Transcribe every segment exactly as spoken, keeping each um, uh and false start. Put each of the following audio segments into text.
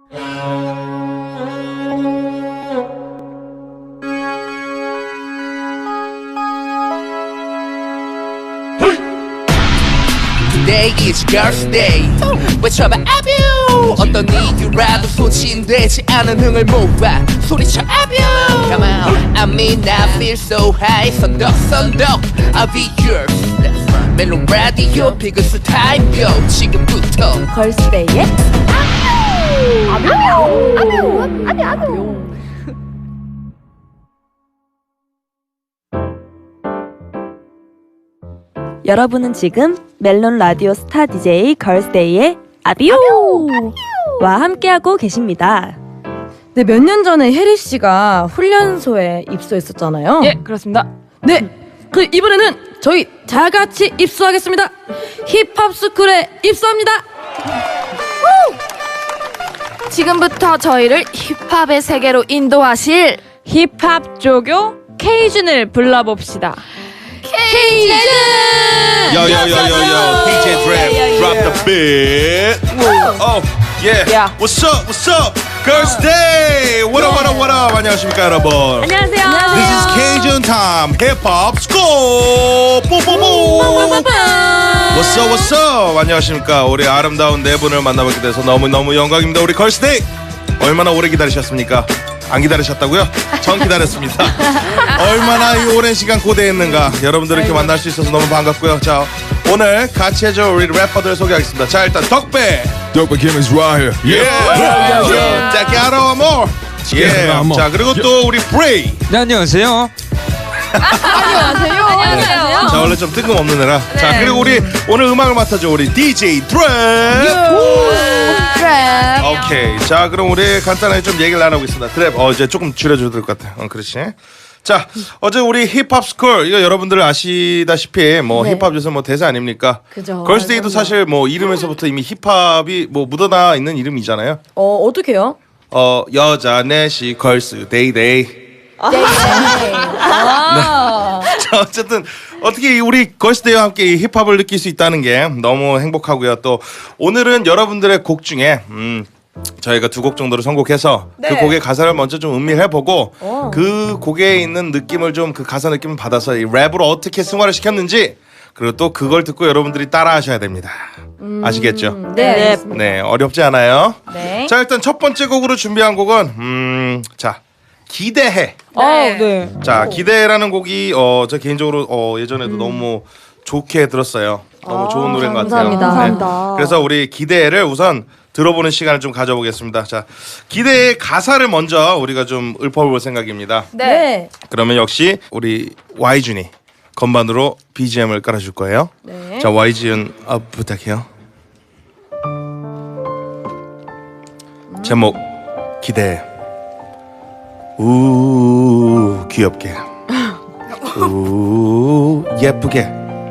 Today is girls' day 외쳐봐 아뷰 어떤 이유라도 소진되지 않은 흥을 모아 소리쳐 아뷰 Come on I mean I feel so high 선덕선덕 I'll be yours 멜론 라디오 피그스 타임표 지금부터 걸스데이의 아뷰 아뷰 아뷰 아뷰 아뷰 여러분은 지금 멜론 라디오 스타 디제이 걸스데이의 아비오와 함께하고 계십니다. 네, 몇 년 전에 혜리 씨가 훈련소에 입소했었잖아요. 예, 그렇습니다. 네, 그 이번에는 저희 다 같이 입소하겠습니다. 힙합 스쿨에 입소합니다. 지금부터 저희를 힙합의 세계로 인도하실 힙합 조교 케이준을 불러봅시다. 케이준! Yo, yo, yo, yo, yo, D J Drap, drop the beat. Oh, yeah. Yeah. What's up, what's up? Girls' Day! What up, what up, what up? 안녕하십니까, 여러분? 안녕하세요. This is Cajun Time, Hip Hop School! 뽀뽀뽀! What's up, what's up? 안녕하십니까. 우리 아름다운 네 분을 만나뵙게 돼서 너무너무 영광입니다. 우리 Girls' Day! 얼마나 오래 기다리셨습니까? 안 기다리셨다고요? 전 기다렸습니다. 얼마나 이 오랜 시간 고대했는가. 여러분들 이렇게 만날 수 있어서 너무 반갑고요. 자, 오늘 같이 해줄 우리 래퍼들 소개하겠습니다. 자, 일단 덕배. Dope Kim is right here. Yeah. 자, Gato Amor. Yeah. 자, 그리고 또 우리 Bray. 네, 안녕하세요. 안녕하세요. 안녕하세요. 자, 원래 좀 뜬금없는 애라. 자, 그리고 우리 오늘 음악을 맡아줘 우리 디제이 Drap. 오케이. 자, 그럼 우리 간단하게 좀 얘기를 나눠보겠습니다. 드랩. 어, 이제 조금 줄여줘도 될 것 같아. 어, 그렇지. 자, 어제 우리 힙합 스쿨 이거 여러분들 아시다시피 뭐 네. 힙합 요새 뭐 대세 아닙니까? 그죠. 걸스데이도 사실 뭐 이름에서부터 이미 힙합이 뭐 묻어나 있는 이름이잖아요. 어, 어떡해요? 어, 여자 넷이 걸스 데이데이. 아. 자, 어쨌든 어떻게 우리 걸스데이와 함께 이 힙합을 느낄 수 있다는 게 너무 행복하고요. 또 오늘은 여러분들의 곡 중에 음 저희가 두 곡 정도를 선곡해서 그 곡의 가사를 먼저 좀 음미해보고 오. 그 곡에 있는 느낌을 좀 그 가사 느낌을 받아서 이 랩으로 어떻게 승화를 시켰는지 그리고 또 그걸 듣고 여러분들이 따라하셔야 됩니다. 아시겠죠? 네. 네, 어렵지 않아요. 네. 자, 일단 첫 번째 곡으로 준비한 곡은 음, 자, 기대해. 아, 네. 자, 기대라는 곡이 어, 저 개인적으로 어, 예전에도 너무 좋게 들었어요. 너무 좋은 노래인 것 같아요. 감사합니다. 감사합니다. 그래서 우리 기대를 우선 들어보는 시간을 좀 가져보겠습니다. 자, 기대의 가사를 먼저 우리가 좀 읊어볼 생각입니다. 네. 그러면 역시 우리 와이준이 건반으로 비지엠을 깔아줄 거예요. 네. 자, 와이준 어, 부탁해요. 제목 기대. 우 귀엽게. 우 예쁘게.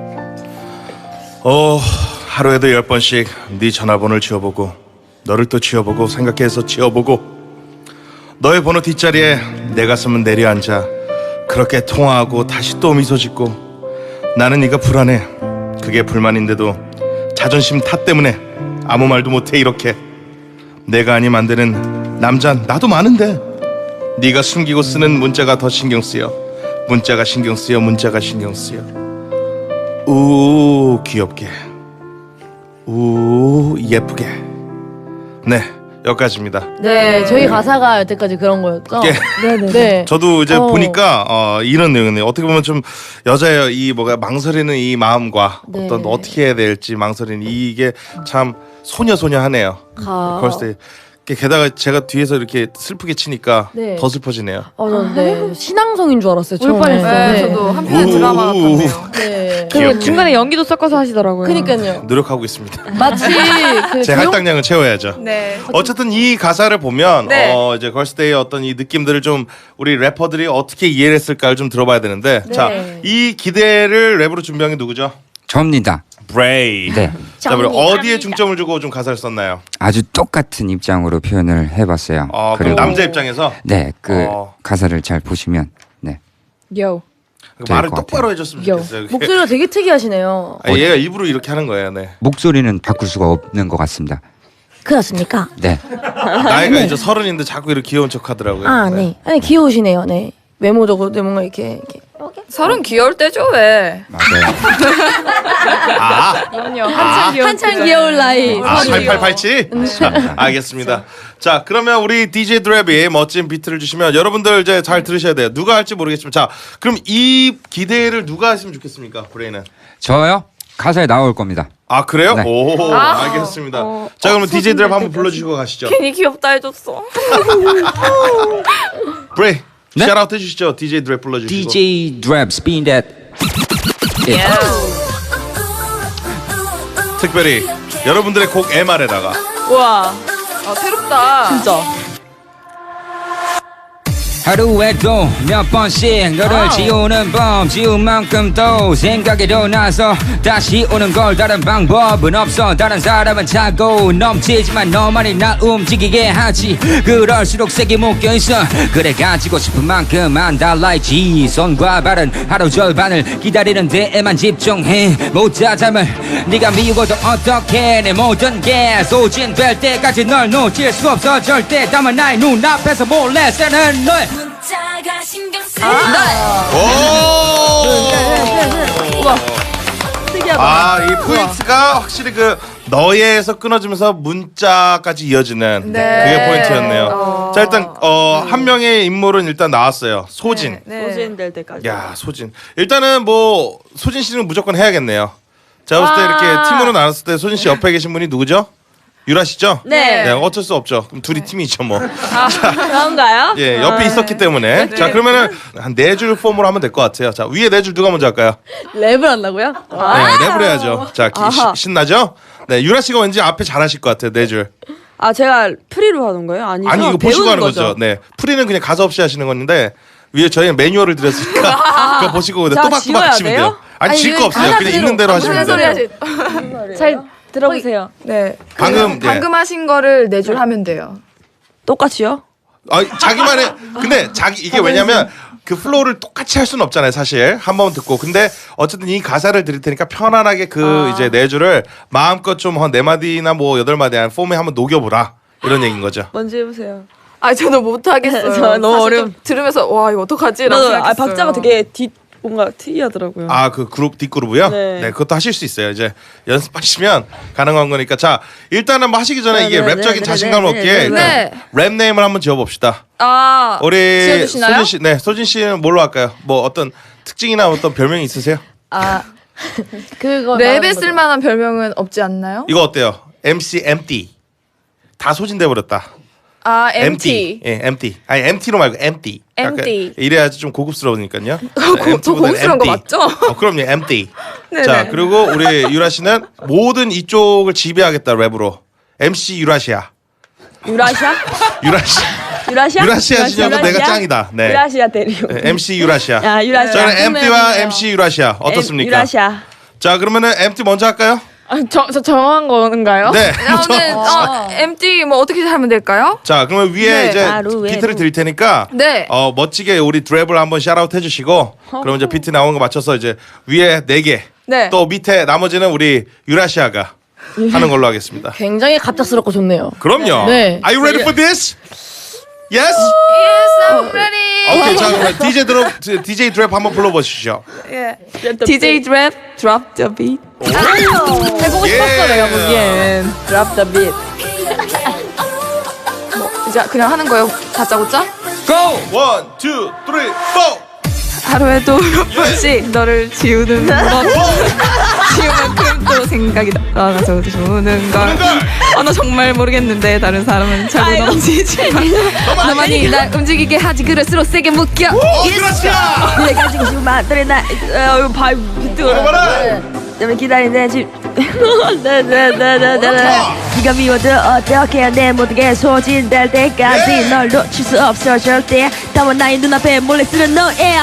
어 하루에도 열 번씩 네 전화번호를 지워보고 너를 또 지워보고 생각해서 지워보고 너의 번호 뒷자리에 내 가슴은 내려앉아 그렇게 통화하고 다시 또 미소 짓고 나는 네가 불안해. 그게 불만인데도 자존심 탓 때문에 아무 말도 못해. 이렇게 내가 아니면 안 되는 남자 나도 많은데 네가 숨기고 쓰는 문자가 더 신경 쓰여. 문자가 신경 쓰여. 문자가 신경 쓰여. 우 귀엽게. 우 예쁘게. 네, 여기까지입니다. 네, 저희 가사가 여태까지 그런 거였죠? 예. 네네. 네. 저도 이제 어. 보니까 어, 이런 내용이네요. 어떻게 보면 좀 여자의 이 뭐가 망설이는 이 마음과 네. 어떤 어떻게 해야 될지 망설이는 이게 참 소녀소녀하네요. 가. 걸스데이. 게다가 제가 뒤에서 이렇게 슬프게 치니까 네. 더 슬퍼지네요. 어, 저, 네. 신앙송인 줄 알았어요. 울 처음에. 뻔했어요. 네. 저도 한편의 드라마 같았네요. 네. 그리고 귀엽게. 중간에 연기도 섞어서 하시더라고요. 그니까요. 노력하고 있습니다. 마치 그 제 조용- 할당량을 채워야죠. 네. 어쨌든 이 가사를 보면 네. 어, 이제 걸스데이의 어떤 이 느낌들을 좀 우리 래퍼들이 어떻게 이해를 했을까를 좀 들어봐야 되는데 네. 자, 이 기대를 랩으로 준비한 게 누구죠? 접니다. 브레이. 네. 자, 그럼 어디에 중점을 주고 좀 가사를 썼나요? 아주 똑같은 입장으로 표현을 해봤어요. 어, 그럼 그리고 남자 입장에서 네, 그 어. 가사를 잘 보시면 네. 요. 말을 것 똑바로 같아요. 해줬으면 요. 좋겠어요. 이렇게. 목소리가 되게 특이하시네요. 아, 얘가 일부러 이렇게 하는 거예요. 네. 목소리는 바꿀 수가 없는 것 같습니다. 큰일 났습니까? 네. 나이가 이제 서른인데 자꾸 이렇게 귀여운 척하더라고요. 아, 네. 아니, 귀여우시네요, 네. 외모적으로 네, 뭔가 이렇게, 이렇게. 서른 귀여울 때죠 왜? 맞아요. 아, 그럼요. 한참 귀여울 한창 때죠. 귀여울 나이. 아 팔팔팔칠? 자, 알겠습니다. 자, 그러면 우리 디제이 드랩이 멋진 비트를 주시면 여러분들 이제 잘 들으셔야 돼요. 누가 할지 모르겠지만, 자, 그럼 이 기대를 누가 했으면 좋겠습니까, 브레인은? 저요? 가사에 나올 겁니다. 아, 그래요? 네. 오, 알겠습니다. 자, 그러면 디제이 드랩 한번 불러주시고 가시죠. 괜히 귀엽다 해줬어. 브레인, 네? 샤라웃 해주시죠. 디제이 드랩 불러주시고. 디제이 드랩 spin that. 특별히 여러분들의 곡 엠알에다가 우와. 아 새롭다. 진짜. 하루에도 몇 번씩 너를 지우는 법 지운 만큼 또 생각에도 나서 다시 오는 걸 다른 방법은 없어 다른 사람은 차고 넘치지만 너만이 날 움직이게 하지 그럴수록 세게 묶여있어 그래 가지고 싶은 만큼만 달라있지 손과 발은 하루 절반을 기다리는 데에만 집중해 모자 잠을 네가 미워도 어떡해 내 모든 게 소진될 때까지 널 놓칠 수 없어 절대 다만 나의 눈앞에서 몰래 새는 너의 문자가 신경 쓰 특이하다. 아, 이 포인트가 확실히 그 너에서 끊어지면서 문자까지 이어지는 네. 그게 포인트였네요. 자, 일단 어, 한 명의 인물은 일단 나왔어요. 소진. 네. 소진될 때까지. 야, 소진. 일단은 뭐 소진 씨는 무조건 해야겠네요. 제가 봤을 때 아. 이렇게 팀으로 나눴을 때 소진 씨 옆에 계신 분이 누구죠? 유라 씨죠? 네. 네, 어쩔 수 없죠. 그럼 둘이 팀이죠, 뭐. 그런가요? 예, 옆에 있었기 때문에. 자, 그러면은 한 네 줄 폼으로 하면 될 것 같아요. 자, 위에 네 줄 누가 먼저 할까요? 랩을 한다고요? 네, 랩을 해야죠. 자, 기, 시, 신나죠? 네, 유라 씨가 왠지 앞에 잘하실 것 같아요. 네 줄. 아 제가 프리로 하는 거예요? 아니죠? 아니, 이거 보시고 배우는 하는 거죠. 네, 프리는 그냥 가사 없이 하시는 건데 위에 저희는 매뉴얼을 드렸으니까 그거 보시고 자, 또박또박 지워야 하시면 돼요? 돼요. 아니, 아니, 질 거 이거 없어요. 하나 그냥 그대로. 있는 대로 아, 하시면 무슨 돼요. 소리 잘 들어보세요. 네. 방금, 네. 방금 하신 거를 네 줄 하면 돼요. 똑같이요? 아, 자기만의 근데 자기 이게 왜냐면 그 플로우를 똑같이 할 수는 없잖아요, 사실. 한 번 듣고. 근데 어쨌든 이 가사를 드릴 테니까 편안하게 그 이제 네 줄을 마음껏 좀 한 네 마디나 뭐 여덟 마디 한 폼에 한번 녹여보라. 이런 얘기인 거죠. 먼저 해보세요. 아 저도 못 하겠어요. 저 너무 사실 어려움. 좀 들으면서 와 이거 어떡하지라고 나도 생각했어요. 아, 박자가 되게 뒷 뭔가 특이하더라고요. 아, 그 그룹 뒷그룹이요? 네. 네. 그것도 하실 수 있어요. 이제 연습하시면 가능한 거니까. 자, 일단은 뭐 하시기 전에 네, 이게 네, 랩적인 네, 자신감 네, 얻기에 네, 네, 일단 네. 랩 네임을 한번 지어봅시다. 아 우리 지어주시나요? 소진 씨, 네, 소진 씨는 뭘로 할까요? 뭐 어떤 특징이나 어떤 별명이 있으세요? 아 그거 랩에 말하는 거죠. 쓸만한 별명은 없지 않나요? 이거 어때요? 엠씨 empty. 다 소진돼 버렸다. 아 empty. 예, empty. 아니 empty로 말고 empty. 약간 empty. 이래야지 좀 고급스러우니까요. 고- 더 고급스러운 거 맞죠? 어, 그럼요, empty. 네네. 자, 그리고 우리 유라 씨는 모든 이쪽을 지배하겠다 랩으로. 엠씨 유라시아. 유라시아? 유라시. 유라시아? 유라시아 지냐고 내가 짱이다. 네. 유라시아 대리오. 네, 엠씨 유라시아. 야 유라시아. 저는 엠티와 엠씨 유라시아 어떻습니까? 유라시아. 자, 그러면은 엠티 먼저 할까요? 아, 저, 저 정한 건가요? 네. 저는 어, empty 뭐 어떻게 하면 될까요? 자, 그러면 위에 네. 이제 하루에도. 비트를 드릴 테니까 네. 어, 멋지게 우리 드랩을 한번 샤라웃 해주시고 그럼 이제 비트 나오는 거 맞춰서 이제 위에 네 개, 네. 또 밑에 나머지는 우리 유라시아가 하는 걸로 하겠습니다. 굉장히 갑작스럽고 좋네요. 그럼요. 네. Are you ready for this? Yes? Yes, I'm ready. 오케이, 자, 그럼 디제이 드랩, 디제이 드랩 한번 불러보시죠. 예. 디제이 드랩 drop the beat. 해보고 예. 싶었어 내가 보기엔. drop the beat. 뭐 이제 그냥 하는 거예요. 다짜고짜? Go! One, two, three, four. 하루에도 몇 번씩 너를 지우는 것 지우만큼 또 생각이 나서 주는 걸. 어, 나 정말 모르겠는데 다른 사람은 잘 넘치지만 너만이 날 움직이게 하지 그럴수록 세게 묶여. 오, 유라시아! 내가 지금 지금 만들어 나 어, 바 비트 봐라. 때문에 기다리는데 지금 네네네네네 네가 미워도 어떻게 내 모든 게 소진될 때까지 예. 널 놓칠 수 없어 절대 다만 나의 눈앞에 몰래 쓰는 너야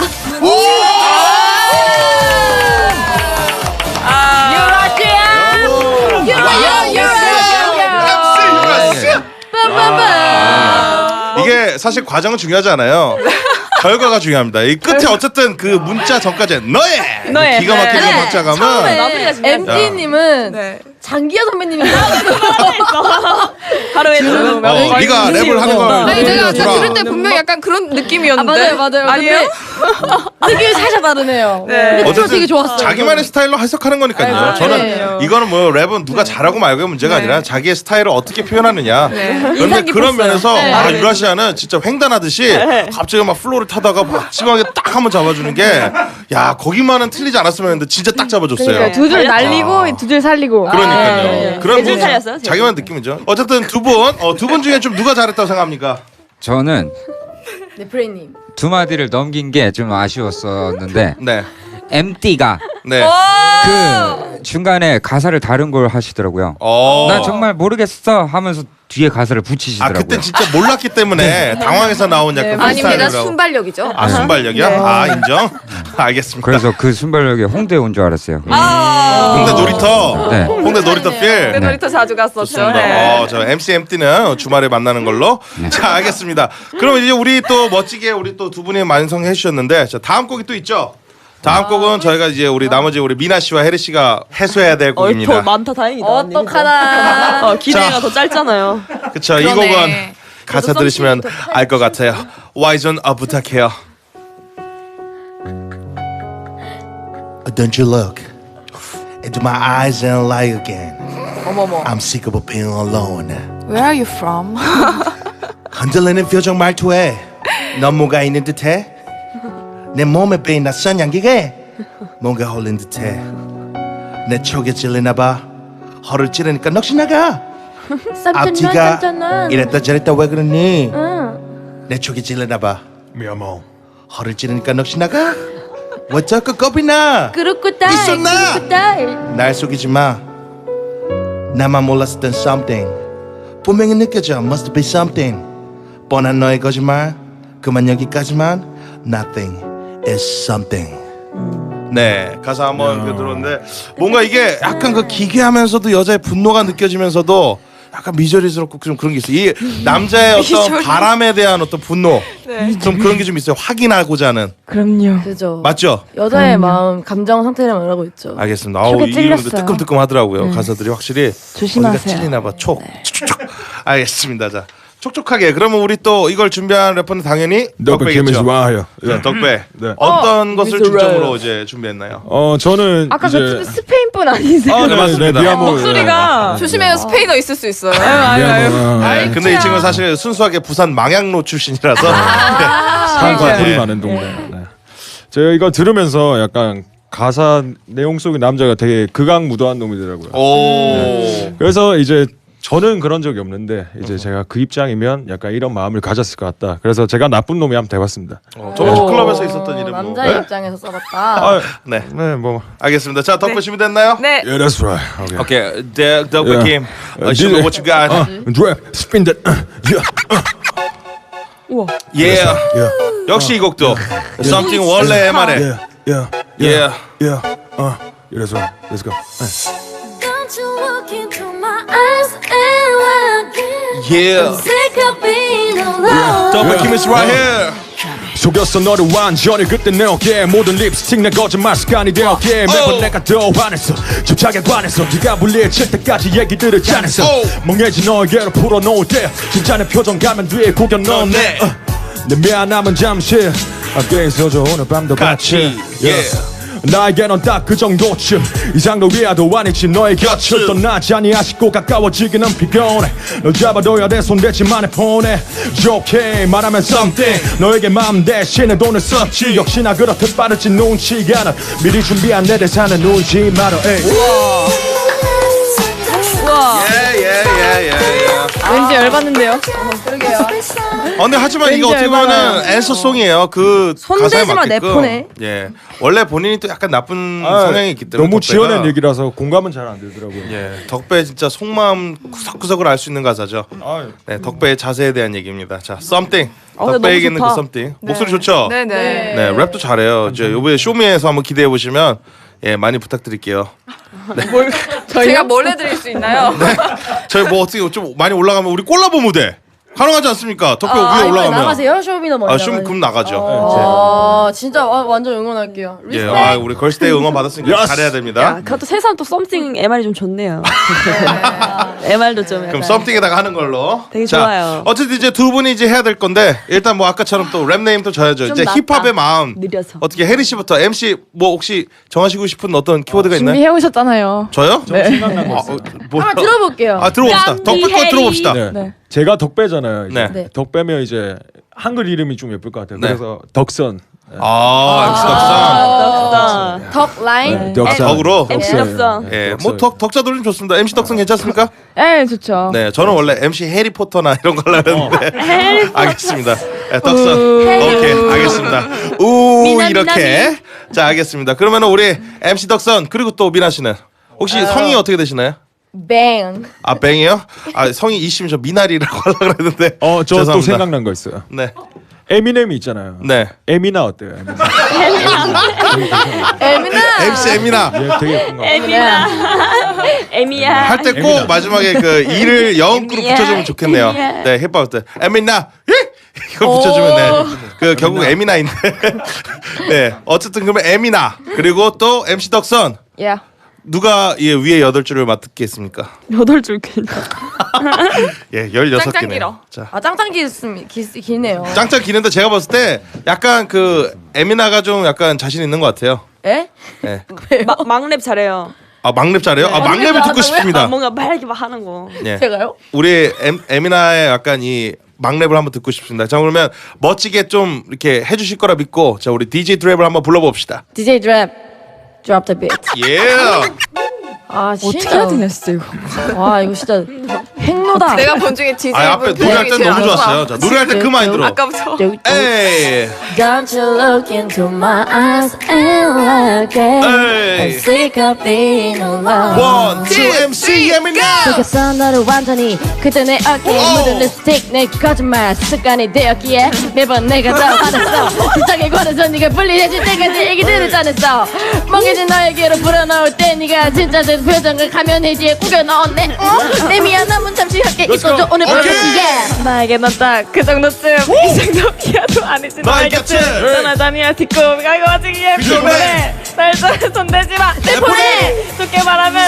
이게 사실 과정은 중요하지 않아요. 결과가 중요합니다. 이 끝에 어쨌든 그 문자 전까지 너의 너의. 기가 막히는 네. 박자감은 엠티님은 네. 장기하 선배님이 하루에 두 어, 명. 네가 랩을 하는 걸 네, 제가 들어주라. 제가 들을 때 분명 약간 그런 느낌이었는데. 아, 맞아요, 맞아요. 아니에요? 느낌이 살짝 다르네요. 네. 어쨌든 되게 좋았어요. 자기만의 스타일로 해석하는 거니까요. 아, 저는 네. 이거는 뭐 랩은 누가 잘하고 말고의 문제가 네. 아니라 자기의 스타일을 어떻게 표현하느냐. 네. 그런데 인상 그런 깊었어요. 면에서 네. 아, 유라시아는 진짜 횡단하듯이 갑자기 막 플로우를 타다가 마지막에 딱 한번 잡아주는 게 야 거기만은 틀리지 않았으면 했는데 진짜 딱 잡아줬어요. 두 줄 날리고 두 줄 살리고. 그러니까요. 네. 그런 세줄 분 살렸어요, 세 자기만 느낌이죠. 어쨌든 두 분, 어, 두 분 중에 좀 누가 잘했다고 생각합니까? 저는 네, 프레이님. 두 마디를 넘긴 게 좀 아쉬웠었는데 네, 엠띠가 네. 그 중간에 가사를 다른 걸 하시더라고요. 어. 난 정말 모르겠어 하면서 뒤에 가사를 아 붙이시더라고요. 그때 진짜 몰랐기 때문에 당황해서 나온 약간 아닙니다. 프리스타일이라고. 순발력이죠. 아 순발력이야? 아 인정. 알겠습니다. 그래서 그 순발력에 홍대에 온 줄 알았어요. 아. 홍대 놀이터, 네. 홍대 놀이터 필. 네. 놀이터 자주 갔었죠. 좋습니다. 네. 어, 저 엠씨 엠띠는 주말에 만나는 걸로. 자, 알겠습니다. 그럼 이제 우리 또 멋지게 우리 또 두 분이 완성해 주셨는데, 자, 다음 곡이 또 있죠. 다음 곡은 저희가 이제 우리 나머지 우리 미나 씨와 혜리 씨가 해소해야 될 곡입니다. 많다 다행이다. 어떡하나. 어, 기대가 자. 더 짧잖아요. 그쵸? 이 그러네. 곡은 가사 들으시면 알 것 같아요. 와이존 어 부탁해요. Don't you look into my eyes and lie again. 어머머. I'm sick of being alone. Where are you from? 흔들리는 표정 말투에 넌 뭐가 있는 듯해. 내 몸에 빼인 낯선 향기에 뭔가 홀린 듯해. 내 촉에 찔리나 봐. 허를 찌르니까 넋이 나가. 앞뒤가 이랬다 저랬다 왜 그러니. 내 촉에 찔리나 봐. 미아모. 허를 찌르니까 넋이 나가. 왜 자꾸 겁이 나. 그렇구다. 있었나? 그렇구다. 날 속이지 마. 나만 몰랐었던 something. 분명히 느껴져. Must be something. 뻔한 너의 거짓말. 그만 여기까지만. Nothing is something. 네, 가사 한번 이렇게 들었는데 뭔가 이게 약간 그 기괴하면서도 여자의 분노가 느껴지면서도 약간 미저리스럽고 좀 그런 게 있어요. 이 남자의 어떤 바람에 대한 어떤 분노, 좀 그런 게 좀 있어요. 확인하고자 하는. 그럼요. 그죠. 맞죠? 여자의 마음, 감정 상태를 말하고 있죠. 알겠습니다. 아우 촉에 이 찔렸어요. 뜨끔뜨끔 하더라고요. 가사들이 확실히 조심하세요. 어디가 찔리나 봐. 촉. 촉촉촉. 알겠습니다. 자, 촉촉하게. 그러면 우리 또 이걸 준비한 래퍼는 당연히 덕배 김 is 덕배겠죠. right here. 자, 덕배. 네. 어떤 것을 중점으로 이제 준비했나요? 어 저는 아까 이제 그 스페인 분 아니세요? 아, 네, 맞습니다. 미아모. 목소리가 조심해요. 스페인어 있을 수 있어요. 미아모. 네, 근데 이 친구는 사실 순수하게 부산 망양로 출신이라서 산과 네. 풀이 많은 동네. 네. 제가 이거 들으면서 약간 가사 내용 속의 남자가 되게 극악무도한 놈이더라고요. 오. 그래서 이제 저는 그런 적이 없는데 이제 제가 그 입장이면 약간 이런 마음을 가졌을 것 같다. 그래서 제가 나쁜 놈이 한번 돼봤습니다. 어, 저번 주 클럽에서 있었던 이름 뭐. 남자의 네? 입장에서 써봤다. 아, 네. 네, 뭐. 알겠습니다. 자, 덕배 준비됐나요? 네. Yeah, that's right. Okay. 오케이. 덕- 덕배 Yeah. 김. Uh, 어, show me what you got. Uh, drip, spin that. Uh, yeah, Yeah. yeah, 역시 이 곡도 Something 원래의 말에. yeah, yeah, Yeah. yeah. Uh, yeah, that's right. Let's go. Uh. Don't you look into my eyes and lie again. Yeah. Sick of being alone. 덕배 김 is right here. 속였어 너를 완전히 그때 내 어깨 모든 립스틱 내 거짓말 습관이 되었기에 매번 Oh. 내가 더 화냈어 집착에 관해서 네가 불리해질 때까지 얘기들을 짜냈어 Oh. 멍해진 너에게로 풀어놓을 때 진짜 내 표정 가면 뒤에 구겨 넣네 어, 어, 내 미안함은 잠시 함께 있어줘 오늘 밤도 같이 같이. Yeah. 나에게 넌 딱 그 정도쯤 이상도 위아도 아니지 너의 곁을 떠나지 아니 아쉽고 가까워지기는 피곤해 널 잡아둬야 돼 손대지만 해 폰에 좋게 말하면 something 너에게 마음 대신에 돈을 썼지 역시나 그렇듯 빠르지 눈치가 나 미리 준비한 내 대사는 울지 마라 에이. 예, 예, 예, 예, 예. 왠지 열받는데요. 어, 근데 하지만 이게 왠지 어떻게 얼마나- 보면은 앤서송이에요. 그 손대지 가사에 마, 내 맞게끔. 폰에. 예. 원래 본인이 또 약간 나쁜 아, 성향이 있기 때문에 너무 덕배가- 지어낸 얘기라서 공감은 잘 안 되더라고요 예. 덕배 진짜 속마음 구석구석을 알 수 있는 가사죠. 아유. 네, 덕배의 자세에 대한 얘기입니다. 자, something. 어, 근데 덕배에게 있는 그 너무 좋다. something. 목소리 좋죠? 네네. 네, 랩도 잘해요. 이제 요번에 쇼미에서 한번 기대해 보시면 예, 많이 부탁드릴게요. 제가 뭘 해드릴 수 있나요? 저희 뭐 어떻게 좀 많이 올라가면 우리 콜라보 무대. 가능하지 않습니까? 덕배 아, 위에 이번에 올라가면. 나가세요? 쇼미더머니 아, 좀 그럼 나가죠. 아, 진짜 와, 완전 응원할게요. 예, 리스펙. 아, 우리 걸스데이 응원 받았으니까 Yes. 잘해야 됩니다. 야, 그것도 새삼 또 썸띵 엠알이 좀 좋네요. 엠알도 좀 그럼 약간. 썸띵에다가 하는 걸로. 되게 자, 좋아요. 어쨌든 이제 두 분이 이제 해야 될 건데 일단 뭐 아까처럼 또 랩 네임 또 져야죠. 좀 이제 낫다. 힙합의 마음. 느려서. 어떻게 해리 씨부터 엠씨 뭐 혹시 정하시고 싶은 어떤 키워드가 있나요? 준비해 오셨잖아요. 저요? 네. 생각난 거 아, 있어요. 어, 뭐, 한번 들어볼게요. 아 들어봅시다. 깜비 덕배 거 해리. 들어봅시다. 네. 네. 제가 덕배잖아요. 이제. 네. 네. 덕배면 이제 한글 이름이 좀 예쁠 것 같아요. 네. 그래서 덕선. 아, 엠씨 덕선. 덕선. 덕 라인. 네, 덕선. 덕으로? 엠씨 덕선. 덕선. 네, 예, 덕선. 뭐 덕, 덕자 돌림 좋습니다. 엠씨 덕선 괜찮습니까? 네, 좋죠. 네, 저는 원래 엠씨 해리포터나 이런 걸로 했는데 알겠습니다. 네, 덕선. 오케이, 알겠습니다. 우 미나, 이렇게. 자, 알겠습니다. 그러면 우리 엠씨 덕선 그리고 또 미나 씨는 혹시 성이 어떻게 되시나요? 뱅. 아, 뱅이요? 아, 성이 이시면 저 미나리라고 하려고 그랬는데. 어, 저 또 죄송합니다. 생각난 거 있어요. 네. 에미넴이 있잖아요. 네. 에미나 어때요? 에미나. 에미나. 엠씨 에미나. 얘 되게 예쁜 거. 에미야. 에미야. 할 때 꼭 마지막에 그 이를 영구로 에미야, 붙여주면 좋겠네요. 에미야. 네, 힙합 때 에미나 예? 이걸 붙여주면 네. 그 결국 에미나인데. 네, 어쨌든 그러면 에미나 그리고 또 엠씨 덕선 예. 누가 이 위에 여덟 줄을 맡겠습니까? 여덟 줄 길. 예, 열여섯 짱짱 개네요. 길어. 자, 아 짱짱 길습니다. 길, 길네요. 짱짱 기는데 제가 봤을 때 약간 그 에미나가 좀 약간 자신 있는 것 같아요. 에? 예. 마, 막랩 잘해요. 아 막랩 잘해요? 아 막랩을 듣고 한다고요? 싶습니다. 아, 뭔가 막 이렇게 막 하는 거. 예. 제가요? 우리 엠, 에미나의 약간 이 막랩을 한번 듣고 싶습니다. 자 그러면 멋지게 좀 이렇게 해주실 거라 믿고 자 우리 디제이 드랩을 한번 불러봅시다. 디제이 드랩. Drop the beat. 예. 아 진짜. 어떻게 해야 되냐 진짜 이거. 와 이거 진짜 핵노다. 내가 본 중에 디제이 아 앞에 노래할 때 너무 좋았어요. 자 노래할 때 그 마인드로. 아까부터. 에이. Don't you look into my eyes and look at 에이. I'm sick of being alone. 원, 투, 엠씨 에미나. 그래서 너를 완전히 그때 내 어깨에 오. 묻은 립스틱 내 거짓말 습관이 되었기에 매번 내가 더 화났어 세상에 관해서 네가 분리해질 때까지 얘기들을 짜냈어 멍해진 너에게로 불어넣을 때 네가 진짜 내 표정을 가면 뒤에 꾸겨 넣었네 어? 내 미안함은 잠시 함께 있어줘 오늘 밤에 오케이. yeah. 나에게 넌 딱 그 정도쯤 이 정도기야도 아니지. 나의 곁에. 떠나다니야 뒷고 가고 와지기에 비켜내. 피곤해. 날 손대지 마. 내 폰에 좋게 말하면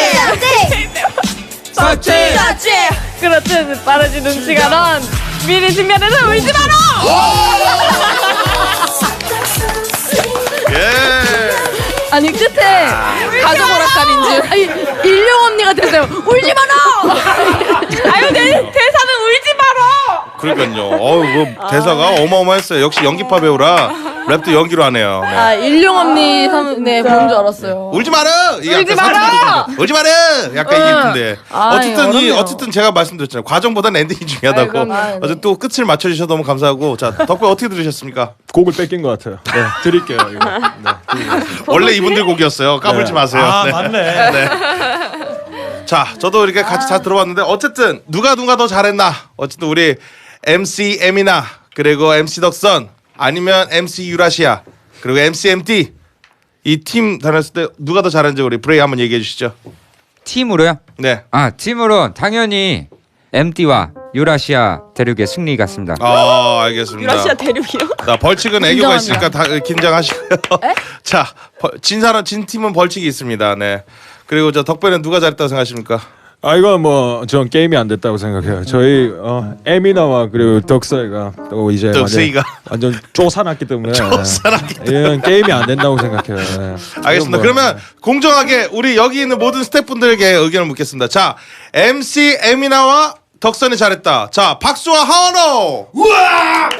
썸띵. 썸띵. 그렇듯 빠르지 눈치가 넌 미리 측면에서 울지 마라. 예. 아니 끝에 가족 오락관인 줄 아니 일용 언니가 됐어요 울지 마라 아유 내 대사는 울지 마라. 그러니까요. 어우 뭐 대사가 어마어마했어요. 역시 연기파 배우라 랩도 연기로 하네요. 네. 아 일용 언니 삼, 네 보는 줄 알았어요 울지 마라. 울지 마라! 울지 마라. 약간 응. 이랬는데 아, 어쨌든 이 어렵네요. 어쨌든 제가 말씀드렸잖아요. 과정보다 엔딩이 중요하다고. 아이, 그럼요. 어쨌든 또 끝을 맞춰주셔서 너무 감사하고 자 덕배 어떻게 들으셨습니까? 곡을 뺏긴 것 같아요. 네, 드릴게요. 이거. 네. 원래 이분들 곡이었어요. 까불지 네. 마세요. 아 네. 맞네. 네. 자, 저도 이렇게 같이 잘 들어봤는데 어쨌든 누가 누가 더 잘했나? 어쨌든 우리 엠씨 에미나 그리고 엠씨 덕선 아니면 엠씨 유라시아 그리고 엠씨 엠티 이 팀 다녔을 때 누가 더 잘했는지 우리 브레이 한번 얘기해 주시죠. 팀으로요? 네. 아 팀으로 당연히 엠티와 유라시아 대륙의 승리 같습니다. 아, 알겠습니다. 유라시아 대륙이요? 자, 벌칙은 애교가 있으니까 다 긴장하시고요. 자, 벌- 진 사람 진 팀은 벌칙이 있습니다. 네. 그리고 저 덕배는 누가 잘했다고 생각하십니까? 아 이건 뭐 전 게임이 안 됐다고 생각해요. 저희 어, 에미나와 그리고 덕서이가 또 이제 덕서이가. 완전, 완전 쫓아났기 때문에 쫓아났기 이건 게임이 안 된다고 생각해요. 네. 알겠습니다. 이건 뭐, 그러면 공정하게 우리 여기 있는 모든 스태프분들에게 의견을 묻겠습니다. 자, 엠씨 에미나와 덕선이 잘했다. 자, 박수와 하원호. 우와!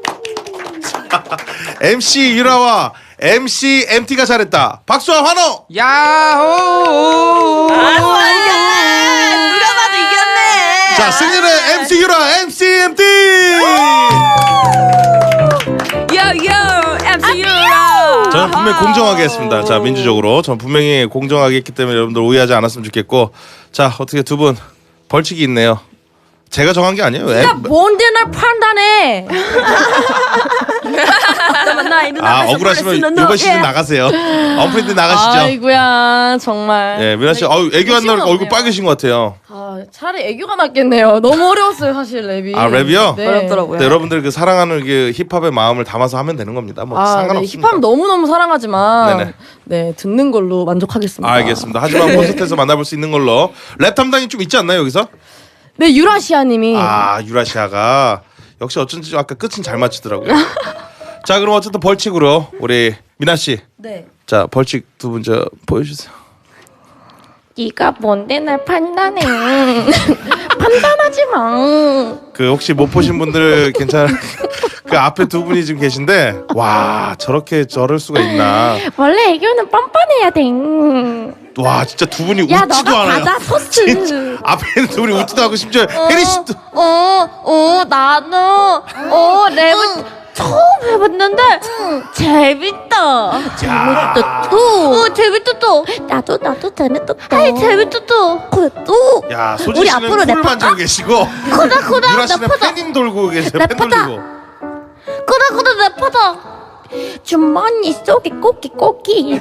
엠씨 유라와 엠씨 엠티가 잘했다. 박수와 환호. 야호! 누가 봐도 이겼네. 자, 승리는 엠씨 유라, 엠씨 엠티. 요요 엠씨 유라. 저는 분명히 공정하게 했습니다. 자, 민주적으로 전 분명히 공정하게 했기 때문에 여러분들 오해하지 않았으면 좋겠고, 자, 어떻게 두 분 벌칙이 있네요. 제가 정한 게 아니에요. 야 엠- 뭔데 날 판단해 아, 억울하시면 이번 시즌 나가세요. 언프린트 나가시죠. 아이고야 정말 예, 미나 씨, 아유, 애교 안 나니까 얼굴 없네요. 빨개진 것 같아요. 아 아 차라리 애교가 낫겠네요. 너무 어려웠어요 사실 랩이. 아, 랩이요? 네. 어렵더라고요. 네, 여러분들 그 사랑하는 그 힙합의 마음을 담아서 하면 되는 겁니다. 뭐 아, 네, 상관없습니다. 힙합 너무 너무 사랑하지만 네네. 네 듣는 걸로 만족하겠습니다. 알겠습니다. 하지만 콘서트에서 만나볼 수 있는 걸로 랩 담당이 좀 있지 않나요 여기서? 네 유라시아님이 아 유라시아가 역시 어쩐지 아까 끝은 잘 맞추더라고요. 자 그럼 어쨌든 벌칙으로 우리 미나 씨. 네. 자 벌칙 두 분 저 보여주세요. 네가 뭔데 날 판단해. 판단하지 마. 그 혹시 못 보신 분들 괜찮? 그 앞에 두 분이 지금 계신데 와 저렇게 저럴 수가 있나? 원래 애교는 뻔뻔해야 돼. 와 진짜 두 분이 야 웃지도 너가 않아요. 받아 소스. 앞에 있는 두 분이 웃지도 않고 심지어 혜리 씨도 어, 어, 나는 어 랩은 처음 해봤는데 재밌다. 재밌다 또. 어 재밌다 또. 나도 나도 재밌다 또. 아이 재밌다 또. 그래 또. 야 소진 우리 씨는 앞으로 꿀 랩할까? 만지고 계시고 코다 코다 유라 씨는 랩하자. 팬님 돌고 계세요. 팬 랩하자. 돌리고. 코다 코다 랩하자. 주머니 속에 꽃기 꽃기.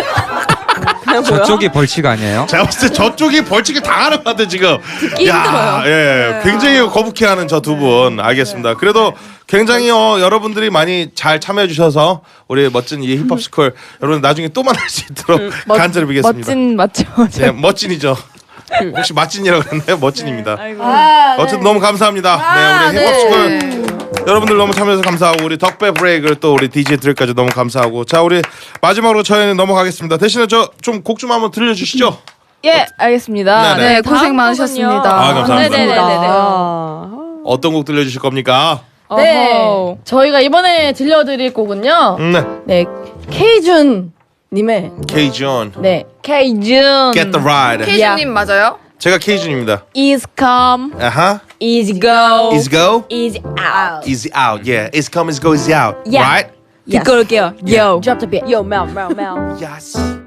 저쪽이 벌칙 아니에요? 제가 봤을 때 저쪽이 벌칙을 당하는 것 같아 지금. 듣기 야, 힘들어요. 예, 굉장히 거북해하는 저 두 분. 알겠습니다. 그래도 굉장히 어, 여러분들이 많이 잘 참여해 주셔서 우리 멋진 이 힙합 스쿨 여러분 나중에 또 만날 수 있도록 간절히 비겠습니다. 멋진 맞죠? 네, 멋진이죠. 혹시 맛진이라고 그랬나요? 멋진입니다. 아, 어쨌든 너무 감사합니다. 네, 우리 힙합 스쿨 여러분들 너무 참여해서 감사하고 우리 덕배 브레이크를 또 우리 디제이들까지 너무 감사하고 자 우리 마지막으로 저희는 넘어가겠습니다. 대신에 저 좀 곡 좀 한번 들려주시죠. 예, 알겠습니다. 네네. 네, 고생 많으셨습니다. 아, 감사합니다. 네네네네. 어떤 곡 들려주실 겁니까? 네. 어허. 저희가 이번에 들려드릴 곡은요. 음, 네. 네. K준 님의 K준 네. K준. Get the Ride. K준님 맞아요? 제가 K준입니다. Is come, 아하. is go, Is go, is out. is out. Yeah. Is come, is go, is out. Yeah. Right? 듣고 올게요. Yo. Drop the beat. Yo, Mel, Mel, Mel. Yes.